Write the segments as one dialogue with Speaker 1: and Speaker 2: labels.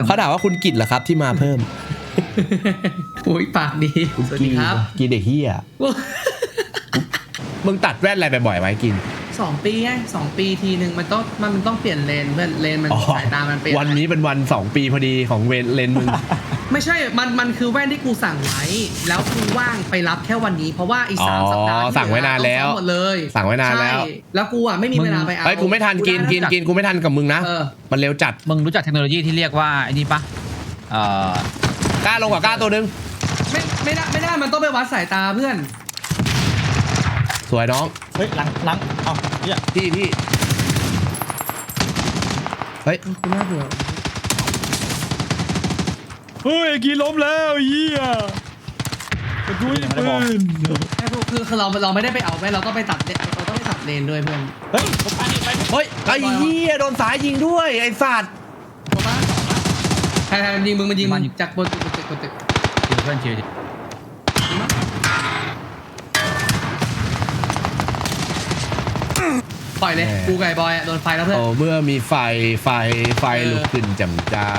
Speaker 1: เขาถามว่าคุณกิจเหรอครับที่มาเพิ่ม
Speaker 2: โอ้ยปากดีสวัสดีครับ
Speaker 1: กินเด็กเฮียมึงตัดแว่นอะไรไปบ่อยไหมกิน
Speaker 2: 2 ปีไง2 ปีทีหนึ่งมันต้องเปลี่ยนเลนเพื่อนเลนมันสายตามันเปลี่ยน
Speaker 1: วันนี้เป็นวัน2 ปีพอดีของเลนมึง
Speaker 2: ไม่ใช่มันคือแว่นที่กูสั่งไว้แล้วกูว่างไปรับแค่วันนี้เพราะว่าอีก3 สัปดาห์
Speaker 1: สั่งไว้นานแล้ว
Speaker 2: หมดเลย
Speaker 1: สั่งไว้นานแล้ว
Speaker 2: ใช่แล้วกูอ่ะไม่มีเวลาไปเอา
Speaker 1: เฮ้ยกูไม่ทันกินกูไม่ทันกับมึงนะ มันเร็วจัด
Speaker 3: มึงรู้จักเทคโนโลยีที่เรียกว่าไอ้นี่ปะ
Speaker 1: กล้าลงกว่ากล้าตัวนึง
Speaker 2: ไม่ได้มันต้องไปวัดสายตาเพื่อน
Speaker 1: สวยน้อง
Speaker 4: เฮ้ยหลังเอ้าเนี่ย
Speaker 1: พี่เฮ้ย
Speaker 2: กูน่าเบื่อ
Speaker 4: เฮ้ยกีล้มแล้วเหี้ยกระดุยปืน
Speaker 2: คือเราไม่ได้ไปเอาไว้เราต้องไปตัดเราต้องไปตัดเลนด้วยเพื่อน
Speaker 4: เฮ้ยผมไปไป
Speaker 1: เฮ้ยไอ้เหี้ยโดนสายยิงด้วยไอ้สัตว์
Speaker 2: ถูกปะใครมันยิงมึงจากบนตึก
Speaker 3: เพื่อนเชียร์
Speaker 2: ปล่อยเลยกูไก่บอยโดนไฟแล้วเพื่อน
Speaker 1: โอ้เมื่อมีไฟลุกขึ้นจำจ้า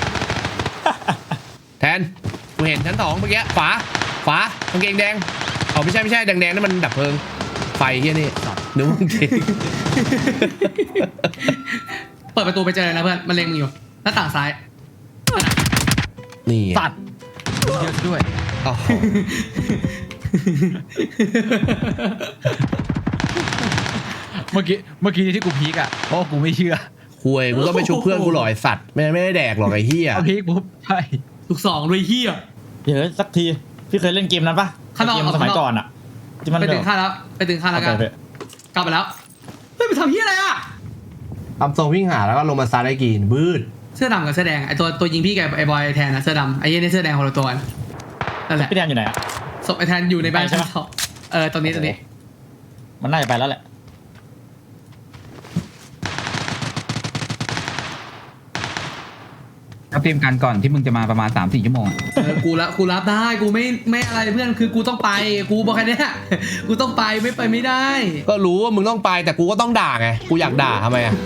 Speaker 1: แทนกูเห็นชั้น2เมื่อกี้ฝากางเกงแดงอ๋อไม่ใช่แดงนั่นมันดับเพลิงไฟเฮียนี่นึกว่าจริง
Speaker 2: เปิดประตูไปเจอเลยนะเพื่อนมันเล็งมึงอยู่หน้าต่างซ้าย
Speaker 1: นี่
Speaker 3: สัตว์เยอะด้วย
Speaker 1: อ๋อ
Speaker 3: เมื่อกี้ที่กูพีกอ่ะเพราะกูไม่เชื่อ
Speaker 1: คุยกูก็ไม่ชุบเพื่อนกูหรอกไอสัตว์ไม่ได้แดกหรอกไอ้เฮีย
Speaker 3: เอาพีกปุ๊บใช่
Speaker 2: ลูก2ด้วยเฮีย
Speaker 4: เดี๋ยวสักทีพี่เคยเล่นเกมนั้นปะ
Speaker 2: ข้างนอก
Speaker 4: เกมสมัยก่อนอะที่มัน
Speaker 2: ไปถึงข้างแล้วกันกลับไปแล้วเฮ้ยไปทำเฮียอะไรอ่ะ
Speaker 1: ทำทรงวิ่งหาแล้วก็ลงมาซัดไอ้กินบืด
Speaker 2: เสื้อดำกับเสื้อแดงไอตัวยิงพี่กับไอบอยแทนนะเสื้อดำไอเหี้ยนี่เสื้อแดงคนละตัวนั่นแหละ
Speaker 4: พี่แดนอยู่ไหนอะ
Speaker 2: ศพไอแทนอยู่ในบ้าน
Speaker 4: ใช่ไหม
Speaker 2: ตรงนี้
Speaker 4: มันน่าจะไปแล้วแหละ
Speaker 3: เขาเตรียมการก่อนที่มึงจะมาประมาณ 3-4 ชั่วโมง
Speaker 2: กูรับได้กูไม่อะไรเพื่อนคือกูต้องไปกูบอกแค่นี้กูต้องไปไม่ไปไม่ได้
Speaker 1: ก็รู้ว่ามึงต้องไปแต่กูก็ต้องด่าไงกูอยากด่าทำไมอะ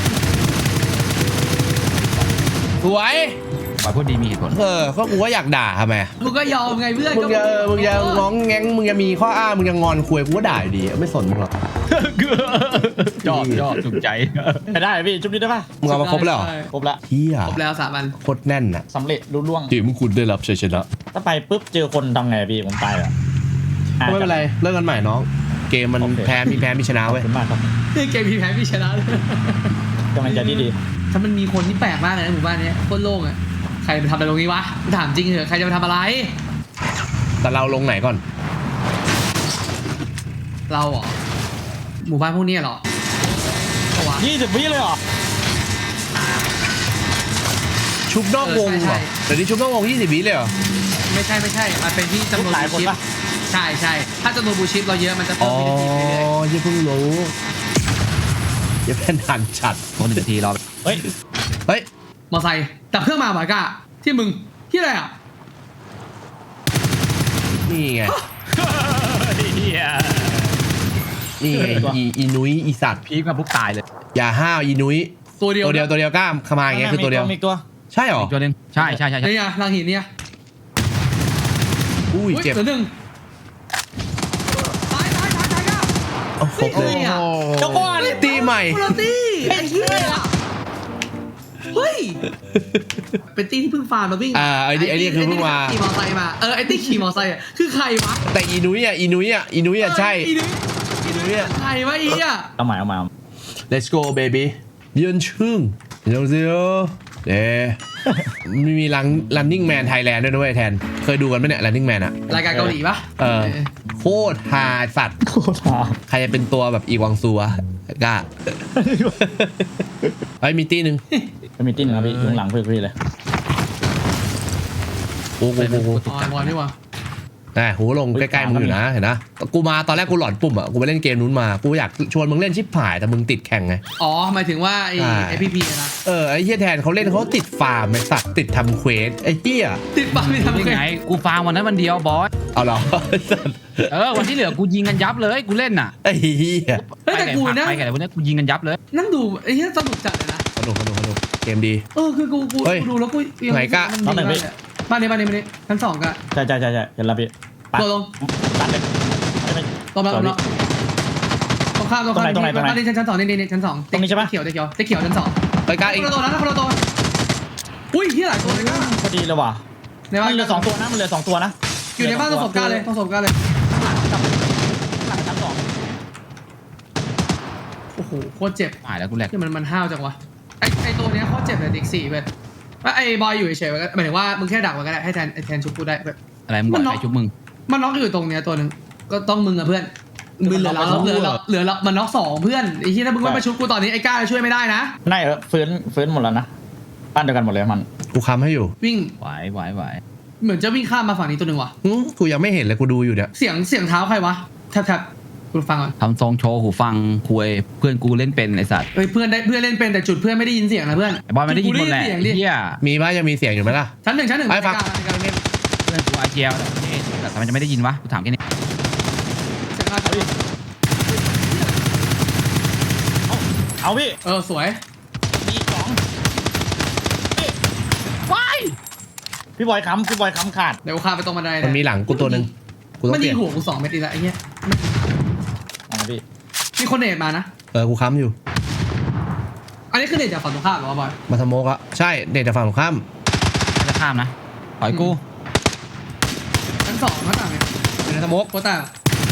Speaker 1: สวย
Speaker 3: ปล่อยพูดดีมีเหตุผล
Speaker 1: ก็กูก็อยากด่าทำไม
Speaker 2: กูก็ยอมไงเพื่อน
Speaker 1: มึงจะง้องแง้งมึงจะมีข้ออ้างมึงจะงอนคุยกูก็ด่าอยู่ดีไม่สนมึงหรอก
Speaker 3: ชอบถูกใจ
Speaker 4: ไปได้พี่ชุบนี้ได้ปะ
Speaker 1: มึงเอามาครบแล้วเหรอ
Speaker 4: ครบละ
Speaker 1: เฮีย
Speaker 2: ครบแล้ว3 วัน
Speaker 1: โคตรแน่นน่ะ
Speaker 4: สำเร็จรุ่ล่วง
Speaker 1: ทีมคุณได้รับชัยชนะ
Speaker 4: ถ้าไปปุ๊บเจอคนทำไงพี่ผมไปอะ
Speaker 1: ไม่เป็นไรเลิกกันใหม่น้องเกมมันแพ้มีชนะ
Speaker 4: ขอบ
Speaker 1: เว้ย
Speaker 4: คุณมากครับ
Speaker 2: เกมพี่แพ้พี่ชนะเลย
Speaker 4: กำลังใจที่ดี
Speaker 2: ถ้ามันมีคนที่แปลกมากเลยนะหมู่บ้านนี้โคตรโล่งอ่ะใครไปทำอะไรตรงนี้วะถามจริงเหรอใครจะไปทำอะไร
Speaker 1: แต่เราลงไหนก่อน
Speaker 2: เราเหรอหมู่บ้านพวกนี้เหรอเอาวะ
Speaker 4: 20 วิเลยเหรอ
Speaker 1: ชุบนอกวงเหรอเดี๋ยวนี้ชุบนอกวง20 วิเลยเหรอ
Speaker 2: ไม่ใช่มันเป็นที่จำนวน
Speaker 4: หลาย
Speaker 2: บู
Speaker 4: คน
Speaker 2: ชิป
Speaker 4: ปะ
Speaker 2: ใช่ถ้าจำนวนบูชิปเราเยอะมันจะเพิ่
Speaker 1: อ๋
Speaker 2: ม
Speaker 1: อ
Speaker 2: วินาทีไปเรื่อย
Speaker 1: ยังเพิ่งรู้ยังเป็นหันฉัด
Speaker 3: คน1 นาทีรอ
Speaker 4: เฮ้ย
Speaker 1: เฮ้ย
Speaker 2: มอไซค์ดับเครื่องมาหมายกะที่มึงที่อะไรอ่ะ
Speaker 1: นี่ไง
Speaker 3: เฮีย
Speaker 1: นี่ไงอีนุ้ยอีสัตว์
Speaker 3: พีกมาปุ๊บตายเลย
Speaker 1: อย่าห้าวอีนุ้ย
Speaker 2: ตัวเดียว
Speaker 1: ตัวเดียวกล้ามขมาอย่างเงี้ยคือตัวเดียว
Speaker 4: มีตัว
Speaker 1: ใช่หรอ
Speaker 3: อีกตัวหนึงใช่
Speaker 2: นี่ไงลังหินเนี่ย
Speaker 1: อุ้ยเจ็บ
Speaker 2: เหลือหนึ่งตายก้า
Speaker 1: เอาครบเลย
Speaker 4: เจ้าก้อน
Speaker 1: ตีใหม่
Speaker 2: คุณตี้ไอ้เหี้ยเฮ้ยเป็นตี้ที่เพิ่งฟาร์มมาวิ่ง
Speaker 1: ไอ้นี่คือเพิ่งมา
Speaker 2: ขี่มอไซค์มาไอ้ตี้ขี่มอไซค์คือใครวะ
Speaker 1: แต่อีนุ้ยอ่ะใช่
Speaker 2: อีนุ้ย
Speaker 1: อีนุ้ยอ่ะ
Speaker 2: ใครวะอีอ่ะ
Speaker 4: เอาใหม่
Speaker 1: Let's go baby เยือนชึ่งเดี๋ยวมีrunning man Thailand ด้วยนะเว้ยแทนเคยดูกันไหมเนี่ย running man อะ
Speaker 2: รายการเกาหลีปะ
Speaker 1: โคตรฮาสัตว์
Speaker 4: โคตรหา
Speaker 1: ใครจะเป็นตัวแบบอีวังซัวกล้าเฮ้ยมีตีหนึ่ง
Speaker 4: จะมีติ้นครับพี่อยู่ข้างหลังพี่เลย
Speaker 1: โอ้โห
Speaker 2: อ๋อบอลนี่วะ
Speaker 1: หูลงใกล้ๆมึงอยู่นะเห็นนะกูมาตอนแรกกูหลอนปุ่มอ่ะกูไปเล่นเกมนู้นมากูอยากชวนมึงเล่นชิปหายแต่มึงติดแข่งไง
Speaker 2: อ๋อหมายถึงว่าไอ้พีนะ
Speaker 1: ไอ้เหี้ยแทนเขาเล่นเขาติดฟาร์มไอ้สัตว์ติดทำเควสไอ้เหี้ย
Speaker 2: ติดปากไม่ทำ
Speaker 3: ยัง
Speaker 2: ไง
Speaker 3: ไงกูฟาร์มวันนั้นวันเดียวบอส
Speaker 1: เอาเหรอ
Speaker 3: วันที่เหลือกูยิงกันยับเลยกูเล่นน่ะ
Speaker 1: ไอ้เหี้ย
Speaker 2: แต่กูนะ
Speaker 3: ไปไงวันนี้กูยิงกันยับเลย
Speaker 2: นั่งดูไอ้เหี้ยสนุกจัดเลยนะ
Speaker 1: สนุกเกมดี
Speaker 2: คือกู
Speaker 1: เฮ้ย
Speaker 2: ดูแล้วกูยัง
Speaker 1: ไหนกะ
Speaker 2: มันดีมากเลยอะบ้านนี้ชั้นสองกะ
Speaker 3: ใช่เห็นแล้วพี่ไป
Speaker 2: ตัวลง
Speaker 3: ตัดเลยไม่
Speaker 2: ตรงแล้วตรงข้าม
Speaker 3: ตรงไหน
Speaker 2: บ้านนี้ชั้นสองนี่ชั้นสอง
Speaker 3: ตรงนี้ใช่ปะ
Speaker 2: เขียวชั้นสอง
Speaker 1: ไปกล้า
Speaker 2: ค
Speaker 1: อีก
Speaker 2: นละตัวนะคนละตัวอุ้ยเฮียหลายตัวเลยกะ
Speaker 3: พอดีเลยว่ะ
Speaker 2: ในบ้า
Speaker 3: มัน นเหลือ2 ตัวนะ
Speaker 2: อยู่ในบ้านตรงศพกะเลย
Speaker 3: หลังชั้นสอง
Speaker 2: โอ้โหโคตรเจ็บ
Speaker 3: หายแล้วกูแหลก
Speaker 2: ที่มันห้าวจังวะไอตัวเนี้ยโคตรเจ็บเลยติ๊กสี่เว้ยว่าไอบอยอยู่เฉยๆหมายถึงว่ามึงแค่ดักมันก็ได้ให้แทนชุบกูได้เว้ย
Speaker 3: อะไรมึงบอกใครชุบมึง
Speaker 2: มันน็อกอยู่ตรงเนี้ยตัวนึงก็ต้องมึงอะเพื่อนมึงเหลือเรามันน็อก2เพื่อนไอ้ที่ถ้ามึงไม่มาชุบกูตอนนี้ไอ้ก้าช่วยไม่ได้นะ
Speaker 3: ไม่ฟื้นหมดแล้วนะบ้านเดียวกันหมดเลยมัน
Speaker 1: กูค้ำให้อยู่
Speaker 2: วิ่ง
Speaker 3: ไหว
Speaker 2: เหมือนจะวิ่งข้ามมาฝั่งนี้ตัวนึงว่ะ
Speaker 1: กูยังไม่เห็นเลยกูดูอยู่เนี่ย
Speaker 2: เสียงเท้าใครวะแทบกูฟังก่อน
Speaker 3: ทำทรงโชว์หูฟังคุยเพื่อนกูเล่นเป็นไอสัตว์
Speaker 2: เฮ้ยเพื่อนเล่นเป็นแต่จุดเพื่อนไม่ได้ยินเสียงนะเพื่อน
Speaker 3: ไอบอลไม่ได้ยินหมดแหละ
Speaker 2: เสียงดิ
Speaker 3: เฮีย
Speaker 1: มีป่ะยังมีเสียงอยู่ไหมล่ะ
Speaker 2: ชั้นหนึ่ง
Speaker 1: ไอ้ฟัง
Speaker 3: เพื่อนกูอาเจียวนี่แต่ทำไมจะไม่ได้ยินวะกูถามแค่นี้
Speaker 2: เสียงอะไร
Speaker 3: เอาพี่
Speaker 2: สวย
Speaker 3: มี2ว้ายพี่บอยค้ำขาด
Speaker 2: เดี๋ยวกูข้ามไปตรงบันได
Speaker 1: มันมีหลังกูตัวหนึ่งกูต้อ
Speaker 2: มั
Speaker 1: ง
Speaker 2: น
Speaker 1: เป
Speaker 2: ยิ
Speaker 1: ลี่ยน
Speaker 2: งหัวกู2 เม็ดอีกแล้วไอ้เหี้ย
Speaker 3: เอาพี่
Speaker 2: มีคนเนตมานะ
Speaker 1: กูค้ำอยู่
Speaker 2: อันนี้คือเนตจากฝั่งตรงข้ามเหรอวะบอย
Speaker 1: มาทำโมกอะใช่เด็ดจากฝั่งตรงข้าม
Speaker 3: จะข้ามนะปล่อยกู
Speaker 2: ชั้น2ข้างต่างเนี่ย
Speaker 1: เป็นทำโมก
Speaker 2: โคตรต่าง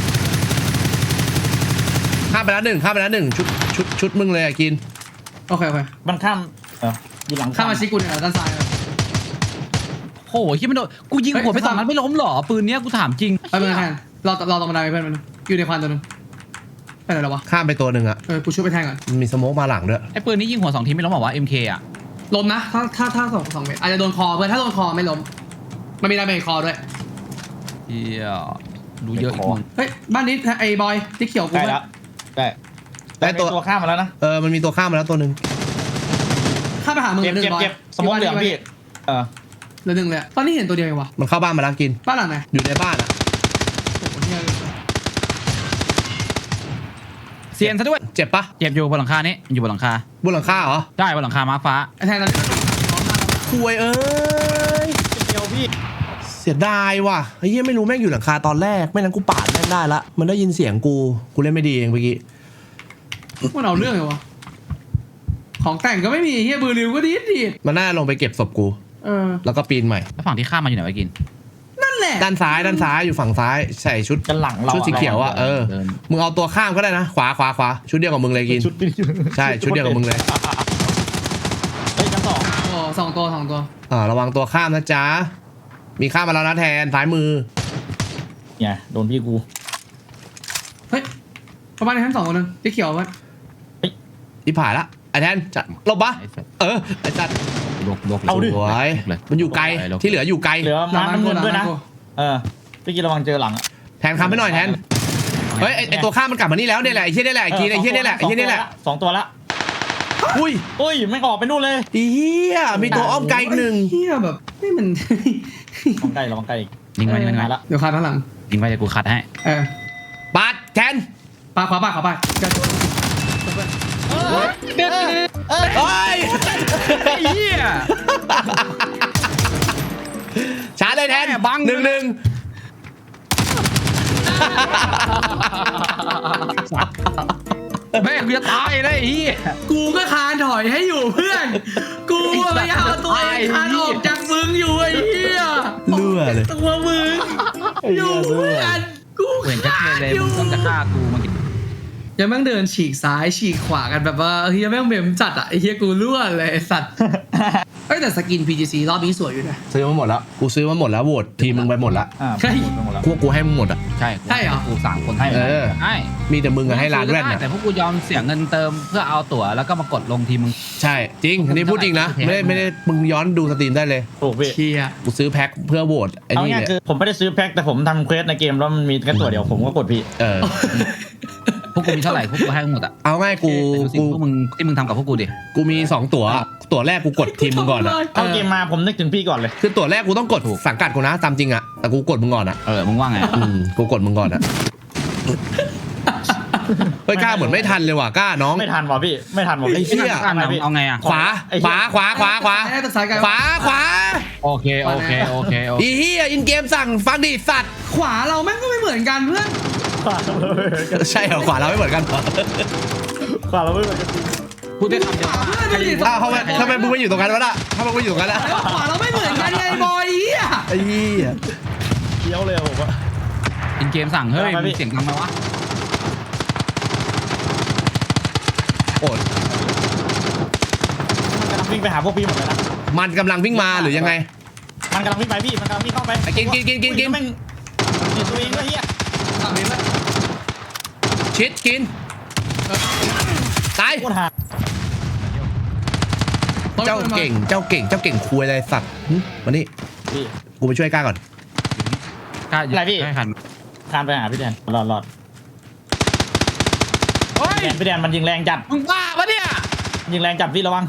Speaker 1: ข้ามไปแล้วหนึ่งชุดมึงเลยอะกิน
Speaker 2: โอเค
Speaker 3: มันข้ามอยู่หลัง
Speaker 2: ข้ามมาชิกูเนี่ยด้านซ้ายเลย
Speaker 3: โอ้โหคิดไม่โดนกูยิงหัวไป2 นัดไม่ล้มหรอปืนเนี้ยกูถามจริง
Speaker 2: ไปเพื่อนแทนรอตรงบันไดไปเพื่อนมันอยู่ในควันตัวนึงไปไหนแล้ววะ
Speaker 1: ข้ามไปตัวหนึ่งอะ
Speaker 2: กูช่วยไปแทงก่อน
Speaker 1: มันมีสโมกมาหลังด้วย
Speaker 3: ไอ้ปืนนี้ยิงหัว2 ทีไม่ล้มบอกว่า MK อ่ะ
Speaker 2: ล้มนะถ้า2 เม็ดอาจจะโดนคอเพื่อนถ้าโดนคอไม่ล้มมันมีดาเมจคอด้วย
Speaker 3: เฮียรู้เยอะอีกมึง
Speaker 2: เฮ้ยบ้านนี้ไอ้บอยที่เขียวกู
Speaker 3: ได้แล้วได้ตัวข้ามมาแล้วนะ
Speaker 1: มันมีตัวข้ามมาแล้วตัวหนึ่ง
Speaker 2: ข้ามไปหามึง
Speaker 3: เก็บ
Speaker 2: 1 บอย
Speaker 3: สมองเหลืองพี่
Speaker 2: เหลือ1เลยตอนนี้เห็นตัวเดียวเองวะ
Speaker 1: มันเข้าบ้านมาแล้วกิน
Speaker 2: บ้านหลังไหน
Speaker 1: อยู่ในบ้านอะ
Speaker 2: โอ้โหเนี่ย
Speaker 3: เซียนซะด้วย
Speaker 1: เจ็บปะ
Speaker 3: เจ็บอยู่บนหลังคานี้อยู่บนหลังคา
Speaker 1: บนหลังคาเหรอ
Speaker 3: ได้บนหลังคาม้าฟ้า
Speaker 2: ไอ้แทนตอนนี้น้องมาแล้ว
Speaker 1: คุย
Speaker 3: เดียวพี่
Speaker 1: เสียดายว่ะไอ้เหี้ยไม่รู้แม่งอยู่หลังคาตอนแรกไม่นั้นกูปาดแม่งได้ละมันได้ยินเสียงกูเล่นไม่ดีเองเมื่อกี้
Speaker 2: มันเอาเรื่องเลยวะของแต่งก็ไม่มีเฮียบือริวก็ดี
Speaker 1: มันน่าลงไปเก็บศพกู แล้วก็ปีนใหม่
Speaker 3: แล้วฝั่งที่ข้ามมาอยู่ไหนวะกิน
Speaker 2: นั่นแหละ
Speaker 1: ด้านซ้ายอยู่ฝั่งซ้ายใส่ชุด
Speaker 3: กันหลังเรา
Speaker 1: ชุดสีเขียวอ่ะมึงเอาตัวข้ามก็ได้นะขวาชุดเดียวกับมึงเลยกิน ใช่ชุดเดียวกับมึงเลย
Speaker 3: เฮ้ยชั้น 2
Speaker 2: โอ้2 ตัว
Speaker 1: ระวังตัวข้ามนะจ๊ะมีข้ามมาแล้วนะแทนซ้ายมือ
Speaker 3: เนี่ยโดนพี่กู
Speaker 2: เฮ้ยประมาณในชั้น2 ตัวนึงที่เขียวมัน
Speaker 1: ที่ผ่านละไอ้แทนจะลบปะไอ้จัด
Speaker 3: ลก
Speaker 1: สวยมันอยู่ไกลที่เหลืออยู่ไกล
Speaker 3: เหลือม้าน้ำเงินด้วยนะ
Speaker 2: กู
Speaker 3: พี่กินระวังเจอหลัง
Speaker 1: แทนคำให้หน่อยแทนเฮ้ยไอตัวข้ามมันกลับมานี่แล้วเนี่ยแหละไอ้เหี้ยนี่แหละไอ้เหี้ยนี่แหละ
Speaker 3: 2 ตัวละ
Speaker 1: อุ้ย
Speaker 3: ไม่ออกไปนู่นเลย
Speaker 1: เหี้ยมีตัวอ้อมไกลอีกหนึ่ง
Speaker 2: เฮียแบบนี่มัน
Speaker 3: ระวังไกลอีกยิงไปละ
Speaker 2: เดี๋ยวคาข้างหลัง
Speaker 3: ยิงไปเดี๋ยวกูคัดให้
Speaker 1: ปาดแทน
Speaker 2: ปาขวาไปจะ
Speaker 3: เด็ด
Speaker 1: เฮ้ย
Speaker 3: เฮีย
Speaker 1: ชาร์จเลยแทน
Speaker 3: บัง
Speaker 1: 1-1
Speaker 3: แม่กูจะตายเลยเฮีย
Speaker 2: กูก็คานถอยให้อยู่เพื่อนกูพยายามเอาตัวเองคานออกจากมึงอยู่ไอ้เหี้ย
Speaker 1: เลื่อเลย
Speaker 2: ตัวมึงอยู่เพื่อนกู
Speaker 3: เห็นชัด
Speaker 2: คา
Speaker 3: เจนเลย
Speaker 2: นอยู่
Speaker 3: มึงต้องจะฆ่ากูเมื่อกี้
Speaker 2: ยังแม่งเดินฉีกซ้ายฉีกขวากันแบบว่าเฮียแม่งเมมจัดอ่ะไอ้เฮียกูรั่วเลยไอ้สัตว์เอ้ยแต่สกิน PGC รอบนี้สวยอยู่นะ
Speaker 1: ซื้อมาหมดแล้วกูซื้อมาหมดแล้วโหวตทีมมึงไปหมดละ
Speaker 2: ใช่
Speaker 1: กูให้มึงหมดอ่ะ
Speaker 3: ใช่
Speaker 2: ใช่เหรอ
Speaker 3: กู3 คนให้ใช่
Speaker 1: มีแต่มึงกับให้ร้านแว่นเนี่ย
Speaker 3: แต่พวกกูยอมเสียเงินเติมเพื่อเอาตั๋วแล้วก็มากดลงทีมึง
Speaker 1: ใช่จริงอันนี้พูดจริงนะไม่ได้มึงย้อนดูสตรีมได้เลย
Speaker 3: ถูกพี่
Speaker 2: เชีย
Speaker 1: กูซื้อแพ็คเพื่อโหวตไอ้
Speaker 3: เอา
Speaker 1: นี่
Speaker 3: ง่าย
Speaker 1: เนี่ย
Speaker 3: คือผมไม่ได้ซื้อแพ็คแต่ผมทำเควสในเกมแล้วมันมีแค่ตัวเดียวผมก็กดพี่ พวกกูมีเท่าไหร่พวกกูให้หมดอ่ะ
Speaker 1: เอาง่ายกู
Speaker 3: พวกมึงที่มึงทำกับพวกกูดิ
Speaker 1: กูมี2ตั๋วแรกกูกดทีมมึงก่อนอ่ะ
Speaker 3: เอาเกมมาผมนึกถึงพี่ก่อนเลย
Speaker 1: คือตั๋วแรกกูต้องกดสังกัดกูนะตามจริงอ่ะแต่กูกดมึงก่อนอ่ะ
Speaker 3: มึงว่าไง
Speaker 1: กูกดมึงก่อนอ่ะเฮ้ยกล้าเหมือนไม่ทันเลยว่ะกล้าน้อง
Speaker 3: ไม่ทันว่ะพี่ไม่ทันว่ะ
Speaker 1: ไอ้เหี้ย
Speaker 3: เอาไงอ่ะ
Speaker 1: ขวาขวาขวาขวาขวา
Speaker 2: ไอ้ตัดสายไกล
Speaker 1: ขวาขวา
Speaker 3: โอเค
Speaker 1: อีเหี้ยอินเกมสั่งฟังดิสัตว์
Speaker 2: ขวาเราแม่งก็ไม่เหมือนกันเพื่อน
Speaker 1: ใช่เหรอขวาเราไม่เหมือนกันเหรอ
Speaker 3: ขวาเราไม่เหมือนกัน
Speaker 4: พูดได้คำเดียว
Speaker 2: ขวาเพื่อนดูดิ
Speaker 1: อ้าวทำไมมึงไม่อยู่ตรงนั้นวะน่ะทำไมมึงอยู่ตรงนั้นล่ะ
Speaker 2: แล้วขวาเราไม่เหมือนกันไงบอยเหี้ย
Speaker 1: ไอ้เหี้ย
Speaker 3: เคี้ยวเลยผมว่า
Speaker 4: อินเกมสั่งเฮ้ยมีเสียงดังมาวะ
Speaker 1: โอ้ย
Speaker 3: มันกำลังวิ่งไปหาพวกพี่หมดเลยนะ
Speaker 1: มันกำลังวิ่งมาหรือยังไง
Speaker 3: มันกำลังวิ่งไปพี่มันกำลังวิ่งเข้าไป
Speaker 1: กิน
Speaker 3: แม่งกินตัวเองด้วยเฮีย
Speaker 2: ทำเองไหม
Speaker 1: ชิดกินตาย
Speaker 3: โคตรหา
Speaker 1: เจ้าเก่งคุยอะไรสัตว์มานี่
Speaker 3: พี่
Speaker 1: กูไปช่วยกล้าก่อน
Speaker 4: กล้า
Speaker 3: อะไรพี่
Speaker 4: ให้หัน
Speaker 3: คานไปหาพี่แดนรอด
Speaker 4: เฮ้ย
Speaker 3: พี่แดนมันยิงแรงจัด
Speaker 4: มึงบ้าปะเนี่ย
Speaker 3: ยิงแรงจัดพี่ระวัง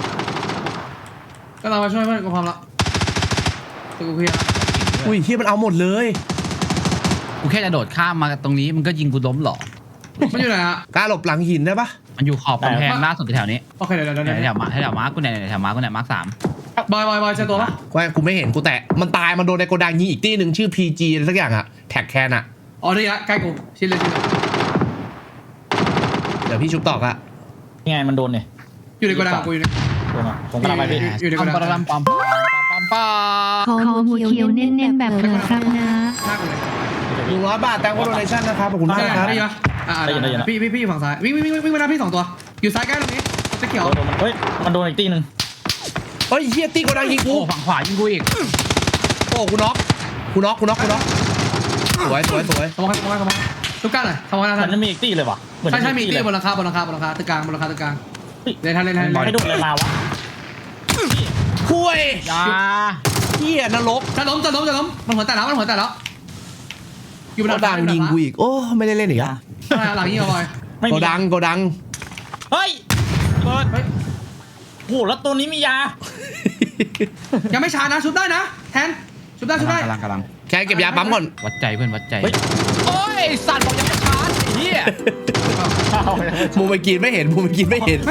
Speaker 2: ก็เรามาช่วยเพื่อนกูพร้อมละตัวกูเคลียร์
Speaker 1: อุ้ยเฮียมันเอาหมดเลย
Speaker 4: กูแค่จะโดดข้ามมาตรงนี้มันก็ยิงกูล้มหรอ
Speaker 2: มันอยู่ไหนฮะ
Speaker 1: กล้าหลบหลังหินได้ปะ
Speaker 4: มันอยู่ขอบกำแพงล่าสุดแถวนี้
Speaker 2: โอเคเดี๋ยว
Speaker 4: แถวมาร์กกูเนี่ยแถวมาร์กกูเนี่ยมาร์ก3
Speaker 2: บอยเจอตัวปะ
Speaker 1: กูไม่เห็นกูแตะมันตายมันโดนในโกดังยิงอีกตี้หนึ่งชื่อ PG อะไรสักอย่างอะแท็กแคนอะ
Speaker 2: อ๋อนี่ละใกล้กูชิ้นเลย
Speaker 1: เดี๋ยวพี่ชุบตอกอะ
Speaker 3: ยังไงมันโดนเนี่ย
Speaker 2: อยู่ในกระดาษกูอยู่ใน
Speaker 3: โดนอ่ะผมกำลังไปพี่
Speaker 2: อยู่ในกระดาษ
Speaker 4: ปั๊ม
Speaker 5: ขอหัวเขียวเน้นๆแบบเผื่อครับนะ
Speaker 2: หน้ากูเลย
Speaker 1: 100 บาทแตงโมโดเนชั่นนะครับขอบคุณมากนะครับ
Speaker 2: ได้ยินปะพี่อยู่ฝั่งซ้ายวิ่งมาหน้าพี่2ตัวอยู่ซ้ายใกล้ตรงนี้จะเขียว
Speaker 3: โดนมันเฮ้ยมันโดนอีกตีหนึ่ง
Speaker 1: เฮ้ยเฮียตี้โกดังยิง
Speaker 4: โอ้
Speaker 1: กู
Speaker 4: ฝั่งขวายิงกูอีก
Speaker 1: โอ้กูน็อกสวย
Speaker 2: สมองทุกการเลยสมองหน้า
Speaker 3: มั
Speaker 2: ทั
Speaker 3: น
Speaker 2: น
Speaker 3: จะมีอีกตีเลยว่ะ
Speaker 2: ใช่มีตีบนราคาตึกกลางเล่นทัน
Speaker 3: ให้โดนอะไรมาวะ
Speaker 1: คุย
Speaker 4: ยา
Speaker 1: เฮียนรก
Speaker 2: จะล้มมันหัวแตกแล้วอยู่บน
Speaker 1: โกดังยิงกูอีกโอ้ไม่ได้เล่นอีกอะ
Speaker 2: หลังยิงเอาบอย
Speaker 3: ไม่
Speaker 1: โก
Speaker 3: มี
Speaker 1: ดัง
Speaker 3: เฮ้ยเปิดโอ้แล้วตัวนี้มียา
Speaker 2: ยังไม่ชานะชุบได้นะแทนชุบได้
Speaker 4: กำลัง
Speaker 1: แค่เก็บยาปั๊มก่อน
Speaker 4: วัดใจเพื่อนวัดใจ
Speaker 3: เฮ้ย
Speaker 4: โอ้ยสัตว์บอกยังไม่ชาร์จไอ้เหี้ย
Speaker 1: มูไปกินไม่เห็น
Speaker 2: ไม่เห็น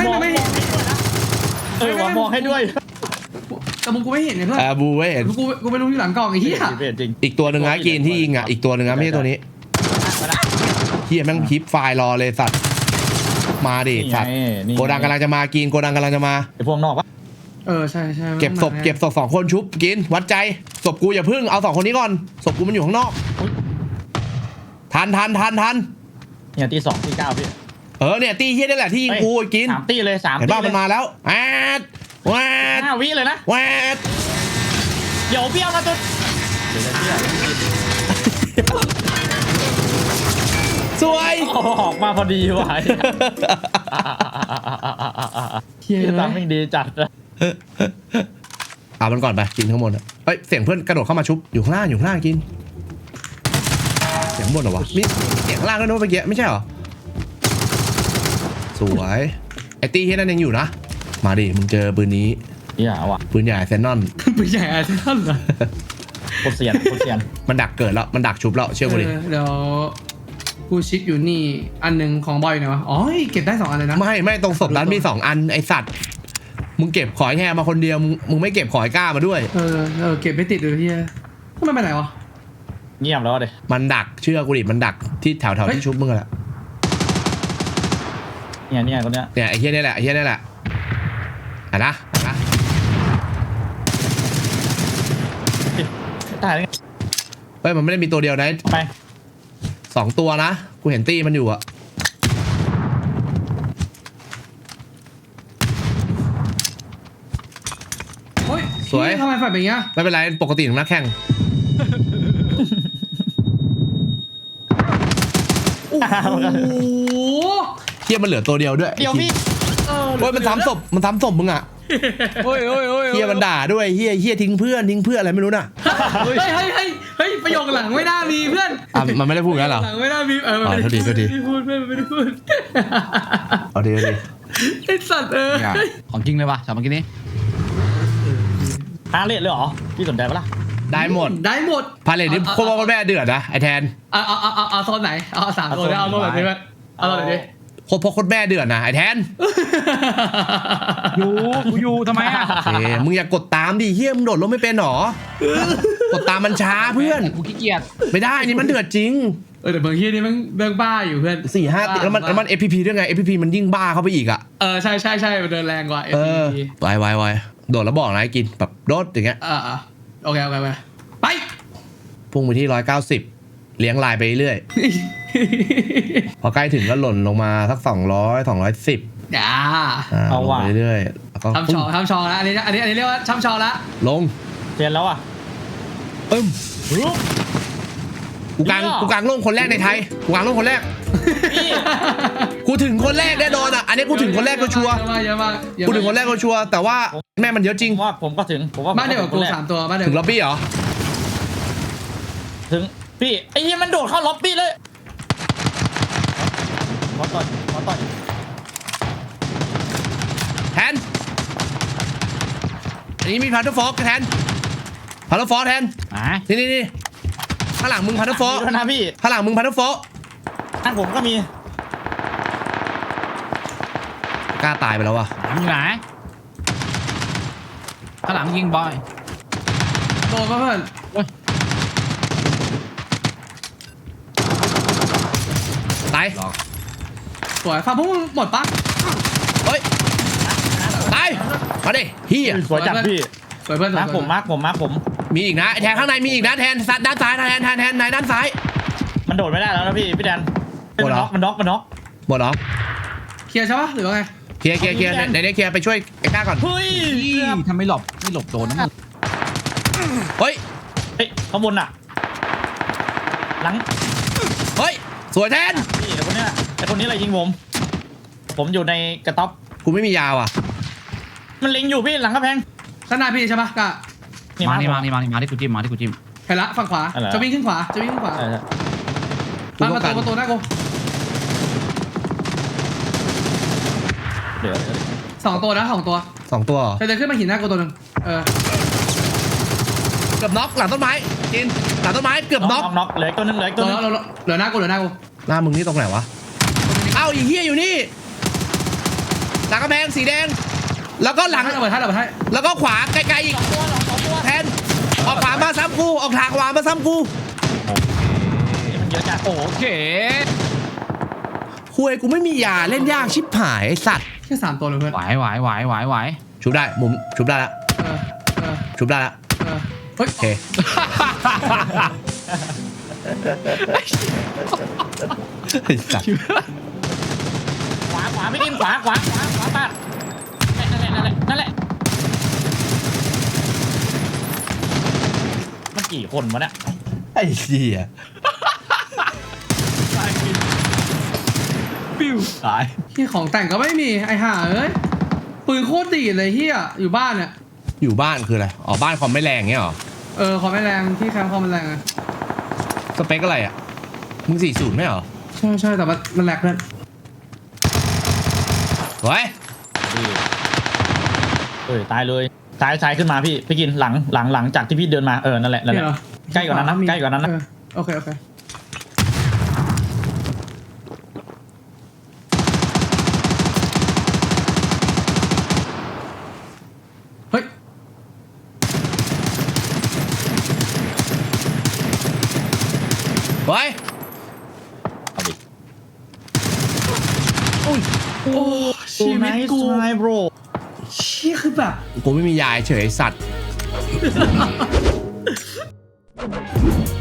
Speaker 3: มองให้ด้วย
Speaker 2: แต่มึงกูไม่เห็นเนี่ยเพื่อน
Speaker 1: บูไม่เห็น
Speaker 2: กูไม่รู้ที่หลังกล่องไอ้เหี้ย
Speaker 3: จริง
Speaker 1: อีกตัวหนึ่งนะกินที่ยิงอ่ะอีกตัวหนึ่งนะไม่ใช่ตัวนี้เฮียแม่งพิปไฟล์รอเลยสัตว์มาดิสัตว์โกดังกำลังจะมากินโกดังกำลังจะมา
Speaker 3: ไอพวกนอกวะ
Speaker 2: ใช่
Speaker 1: เก็บศพ2 คนชุบกินวัดใจศพกูอย่าพึ่งเอา2 คนนี้ก่อนศพกูมันอยู่ข้างนอกทัน
Speaker 3: เนี่ยตี2ตี9พี่
Speaker 1: เนี่ยตีเฮียนี่แหละที่ยิงกูกิน
Speaker 3: 3ตีเลย3
Speaker 1: เห็น
Speaker 3: ตี
Speaker 1: ป่ะมันมาแล้วแวด
Speaker 3: 5 วิเลยนะ
Speaker 1: แวด
Speaker 3: เดี๋ยวพี่เอามาตัวเดี๋ยวพี่
Speaker 1: สวย
Speaker 3: ออกมาพอดีว่ะ
Speaker 2: เหี้ย
Speaker 3: ตามไม่ดีจัด
Speaker 1: เอามันก่อนไปกินข้างบนเฮ้ยเสียงเพื่อนกระโดดเข้ามาชุบอยู่ข้างล่างกินเสียงบนเหรอวะมีเสียงล่างด้วยนะเมื่อกี้ไม่ใช่เหรอสวยไอตี้เฮียนั่นยังอยู่นะมาดิมึงเจอปืนนี้
Speaker 3: อย่าว่ะ
Speaker 1: ปืนใหญ่เซนนอน
Speaker 2: ปืนใหญ่อาร์เซนอลเหรอ
Speaker 3: โคตรเซียน
Speaker 1: มันดักเกิดแล้วมันดักชุบแล้วเชื่อกูดิ
Speaker 2: เดี๋ยวกูชิปอยู่นี่อันหนึ่งของบอยเนี่ยวะอ๋อเก็บได้2 อันเลยนะ
Speaker 1: ไม่ตรงศพนั้นมี2 อันไอสัตว์มึงเก็บขอยแฮมาคนเดียวมึงไม่เก็บขอยก้ามาด้วย
Speaker 2: เก็บไม่ติดเลยเฮียทำไมไปไหนวะ
Speaker 3: เงียบแล้วเลย
Speaker 1: มันดักเชื่อกูดิมันดักที่แถวที่ชุบมึงแหละ
Speaker 3: เนี่ยคนเนี้ย
Speaker 1: เนี่ยไอเฮียนี่แหละอ่ะนะ
Speaker 3: ตาย
Speaker 1: เฮ้ยมันไม่ได้มีตัวเดียวนะ
Speaker 3: ไป
Speaker 1: 2 ตัวนะกูเห็นตี้มันอยู่อะสวย
Speaker 2: ทำไมฝ่ายเป็นอย่างเงี้ย
Speaker 1: ไม่เป็นไรปกติของนักแข่งโอ้โหเฮียมันเหลือตัวเดียวด้วย
Speaker 3: เดี๋ยวพี่
Speaker 1: เฮ้ยมันซ้ำศพมึงอะ
Speaker 4: โอ้ย
Speaker 1: เฮียมันด่าด้วยเฮียทิ้งเพื่อนอะไรไม่รู้น่ะ
Speaker 2: เฮ้ยประโยคหลังไม่น่ามีเพื่อน
Speaker 1: มันไม่ได้พูดงั้นเหรอ
Speaker 2: หลังไม่น่ามี
Speaker 1: โทษที
Speaker 2: ไม่ได้พูดเพื่อนไม่ได้พูด
Speaker 1: เอาดี
Speaker 2: ไอ้สัตว์
Speaker 4: ของจริงเลยป่ะสามเมื่อกี้นี้
Speaker 3: ฮาเลทเลยเหรอพี่สนใจปะล่ะ
Speaker 1: ได้หมดพาเลทนี่โคตรแม่เดือดนะไอแทน
Speaker 2: เอาโซนไหนเอา3 โซนเอาโซนแบบนี้ไหมเอาหน่อยดิ
Speaker 1: โคตรพ่อโคตรแม่เดือดนะไอ้แทน
Speaker 3: อยู่ทำไมอ่ะ
Speaker 1: โอเคมึงอย่ากดตามดิเฮียมึงโดดลงไม่เป็นหรอกดตามมันช้าเพื่อน
Speaker 3: กูขี้เกียจ
Speaker 1: ไม่ได้นี่มันเดือดจริง
Speaker 2: แต่บางทีนี่มันเรื่องบ้าอยู่เพื่อน
Speaker 1: 4-5 ติดแล้วมัน FPP ด้วยไง FPP มันยิ่งบ้าเข้าไปอีกอ่ะ
Speaker 2: ใช่มันเดินแรงกว่า
Speaker 1: เออ
Speaker 2: FPP
Speaker 1: ไวโดดแล้วบอกนะไอ้กินแบบโดดอย่างเงี้ย
Speaker 2: โอเคไป
Speaker 1: พุ่งไปที่190เลี้ยงลายไปเรื่อยพอใกล้ถึงก็หล่นลงมาสัก200 210
Speaker 2: เอา
Speaker 1: ลงไปเรื่อยแล้วก็
Speaker 2: ทำชองแล้วอันนี้เรียกว่าทำชองแล้ว
Speaker 1: ลง
Speaker 3: เทียนแล้วอ่ะ
Speaker 1: กูกลางลงคนแรกในไทยกูกลางลงคนแรกกูถึงคนแรกแน่นอนอ่ะอันนี้กูถึงคนแรกก็ชัวร์
Speaker 2: เยอะมาก
Speaker 1: กูถึงคนแรกก็ชัวร์แต่ว่าแม่มันเยอะจริง
Speaker 3: ผมก็ถึง
Speaker 2: บ้านเดียวกับกู3 ตัวบ้านเดียว
Speaker 1: ถึงล็อบบี้เหรอ
Speaker 3: ถึงพี่ไอ้เหี้ยมันโดดเข้าล็อบบี้เลยขอต่อย
Speaker 1: แทนอันนี้มีพันธุ์ฟอกแทนพันธุ์ฟอกแทนนี่ข้างหลังมึงพันธุ์ฟอก
Speaker 3: นะพี่
Speaker 1: ข้างหลังมึงพันธุ์ฟอก
Speaker 3: ข้างผมก็มี
Speaker 1: กล้าตายไปแล้ววะ
Speaker 3: อยู่ไหนข้างหลังยิงบอย
Speaker 2: โดนเพื่อน
Speaker 1: ตาย
Speaker 2: สวยฟังพวกมึงหมดปะ
Speaker 1: เฮ้ยตายมาดิเฮีย
Speaker 3: สวยจัดพี่
Speaker 2: สวยเพื่อน
Speaker 3: มาร์คผม
Speaker 1: มีอีกนะแทนข้างในมีอีกนะแทนด้านซ้ายแทนในด้านซ้าย
Speaker 3: มันโดดไม่ได้แล้วนะพี่แดนมันน็อก
Speaker 1: หมดเหรอ
Speaker 2: เคลียร์ใช่ปะหรือว่าไง
Speaker 1: เคลียร์ในนี้เคลียร์ไปช่วยไอ้ก้าก่อน
Speaker 3: เฮ้ย
Speaker 6: ทำไม่หลบโดนนะมึง
Speaker 1: เฮ้ย
Speaker 3: ข้างบนอ่ะหลัง
Speaker 1: เฮ้ยสวยแทน
Speaker 3: พี่ไอ้คนนี้อะไรยิงผมอยู่ในกระต๊อบ
Speaker 1: กูไม่มียาวอ่ะ
Speaker 3: มันเล็งอยู่พี่หลังกระแพง
Speaker 2: ข้างหน้าพี่ใช่ปะกะ
Speaker 6: มาที่กูจิ้ม
Speaker 2: ไปละฝั่งขวาจะวิ่งขึ้นขวาประตูหน้ากู
Speaker 3: เดี๋ยว
Speaker 2: 2 ตัวนะ2 ตัว
Speaker 1: 2 ตัวเหรอ
Speaker 2: จะเดินขึ้นมาหินหน้ากูตัวนึง
Speaker 1: เกือบน็อกหลังต้นไม้กินหลังต้นไม้เกือบน็อก
Speaker 3: เหลือตัวนึง
Speaker 2: เหลือหน้ากู
Speaker 1: หน้ามึงนี่ตรงไหนวะเอ้าอีเหี้ยอยู่นี่หลังกระแพงสีแดงแล้วก็หลัง
Speaker 2: ระเบิดให้
Speaker 1: แล้วก็ขวาไกลๆอีกแทนออกขวามาซ้ำกูออกทางขวามาซ้ำกู
Speaker 3: มันเยอะจัด
Speaker 6: โอเค
Speaker 1: คุยกูไม่มียาเล่นยากชิบหายไอ้สัตว์
Speaker 2: แค่3 ตัวเลยเพื่อน
Speaker 6: ไหว
Speaker 1: ชุบได้มุมชุบได้ละชุบได้ละ
Speaker 2: เฮ้ย
Speaker 1: โอเคไอ้สัตว์
Speaker 3: ขวาพี่ดิมขวาปาดนั่นแหละมันกี่คนวะเนี่ย
Speaker 1: ไอ้เหี้ย
Speaker 6: ปิ้วตาย
Speaker 2: ที่ของแต่งก็ไม่มีไอ้ห่าเอ้ยปืนโคตรดีเลยเฮียอยู่บ้านเนี่ย
Speaker 1: อยู่บ้านคืออะไรอ๋อบ้านคอมไม่แรงเงี้ยหรอ
Speaker 2: คอมไม่แรงที่แคมป์คอมมันแรงอะ
Speaker 1: สเปคอะไรอ่ะมึง40ไม่เหรอ
Speaker 2: ใช่แต่มันแหลกเพื่อน
Speaker 1: เฮ้ย
Speaker 3: ตายเลยซ้ายขึ้นมาพี่กินหลังจากที่พี่เดินมานั่นแหละใกล้กว่านั้นนะ
Speaker 2: โอเคเฮ้ย
Speaker 3: เอาดิ
Speaker 2: โอ้ชีวิตกู
Speaker 3: โบร
Speaker 2: เชี่ยคือแบบ
Speaker 1: กูไม่มียาเฉยไอ้สัตว์